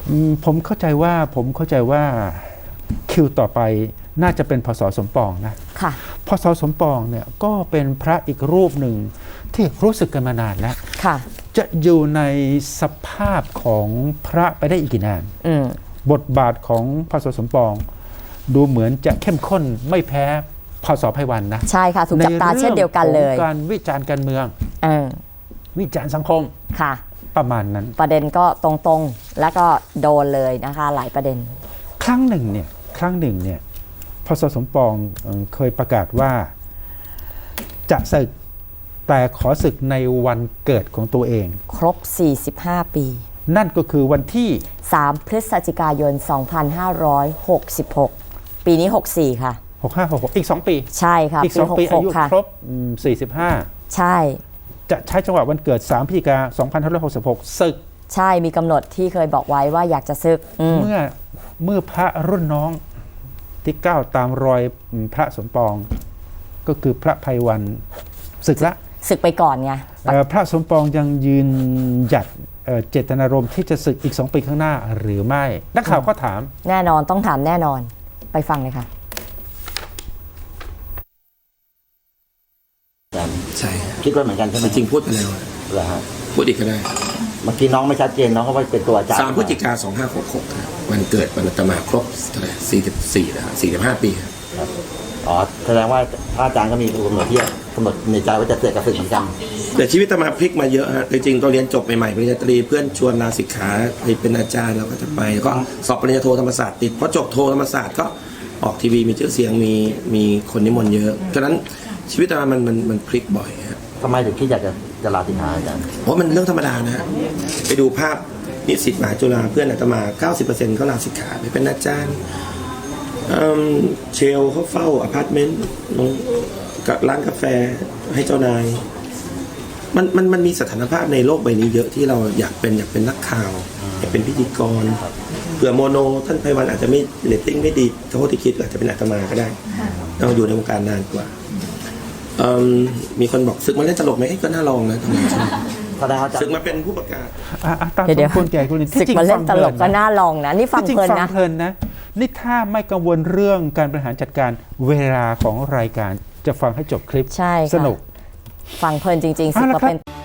ผมเข้าใจว่าคิวต่อไปน่าจะเป็นพศสมปองนะค่ะพศสมปองเนี่ยก็เป็นพระอีกรูปหนึ่งที่รู้สึกกันมานานแล้วค่ะจะอยู่ในสภาพของพระไปได้อีกกี่นานบทบาทของพศสมปองดูเหมือนจะเข้มข้นไม่แพ้พศไพวันนะใช่ค่ะถูกจับตาเช่นเดียวกันเลยการวิจารณ์การเมืองวิจารณ์สังคมค่ะประมาณนั้นประเด็นก็ตรงๆแล้วก็โดนเลยนะคะหลายประเด็นครั้งหนึ่งเนี่ยพศสมปองเคยประกาศว่าจะศึกแต่ขอศึกในวันเกิดของตัวเองครบ45ปีนั่นก็คือวันที่ 3พฤศจิกายน2566ปีนี้64ค่ะ 6566อีก2ปีใช่ค่ะอีก2ปีอายุครบ45 ใช่จะใช้จังหวะวันเกิด3พฤศจิกายน2566ศึกใช่มีกำหนดที่เคยบอกไว้ว่าอยากจะศึกเมื่อพระรุ่นน้องที่ก้าวตามรอยพระสมปองก็คือพระไพวันศึกไปก่อนไงพระสมปองยังยืนหยัดเจตนารมณ์ที่จะศึกอีก2ปีข้างหน้าหรือไม่นักข่าวก็ถามแน่นอนต้องถามแน่นอนไปฟังเลยค่ะใช่คิดว่าเหมือนกันใช่ไหมจริงพูดไปแล้วเหรอฮะพูดอีกก็ได้เมื่อกี้น้องไม่ชัดเจนน้องก็ว่าเป็นตัวอาจารย์ 3 พฤศจิกายน 2566วันเกิดวันอาตมาครบเท่าไหร่44แล้ว45 ปีครับอ๋อแสดงว่าพระอาจารย์ก็มีกำหนดที่กำหนดในใจว่าจะเกิดกับศึกเหมือนกันแต่ชีวิตอาตมาพลิกมาเยอะฮะจริงๆตอนเรียนจบใหม่ๆปริญญาตรีเพื่อนชวนลาศิกขาไปเป็นอาจารย์เราก็จะไปก็สอบปริญญาโทธรรมศาสตร์ติดพอจบโทธรรมศาสตร์ก็ออกทีวีมีชื่อเสียงมีคนนิมนต์เยอะฉะนั้นชีวิตอาตมามันพลิกบ่อยฮะทำไมถึงคิดอยากจะลาศิกขาอาจารย์เพราะมันเรื่องธรรมดานะไปดูภาพนิสิตมหาจุฬาเพื่อนอาตมา 90% เขาลาศิกขาไปเป็นอาจารย์เชลเขาเฝ้าอพาร์ตเมนต์กับร้านกาแฟให้เจ้านายมันมีสถานภาพในโลกใบนี้เยอะที่เราอยากเป็นนักข่าวอยากเป็นพิธีกรเผื่อโมโนท่านไพวันอาจจะไม่เรตติ้งไม่ดีเท่าที่คิดอาจจะเป็นอาตมาก็ได้เราอยู่ในวงการนานกว่ามีคนบอกศึกมาเล่นตลกไหมก็น่าลองนะทำไมศึกมาเป็นผู้ประกาศเดี๋ยวคนแก่คนนี้ศึกมาเล่นตลกก็น่าลองนะนี่ฟังเพลินนะนี่ถ้าไม่กังวลเรื่องการบริหารจัดการเวลาของรายการจะฟังให้จบคลิปใช่สนุกฟังเพลินจริงๆศึกมาเป็น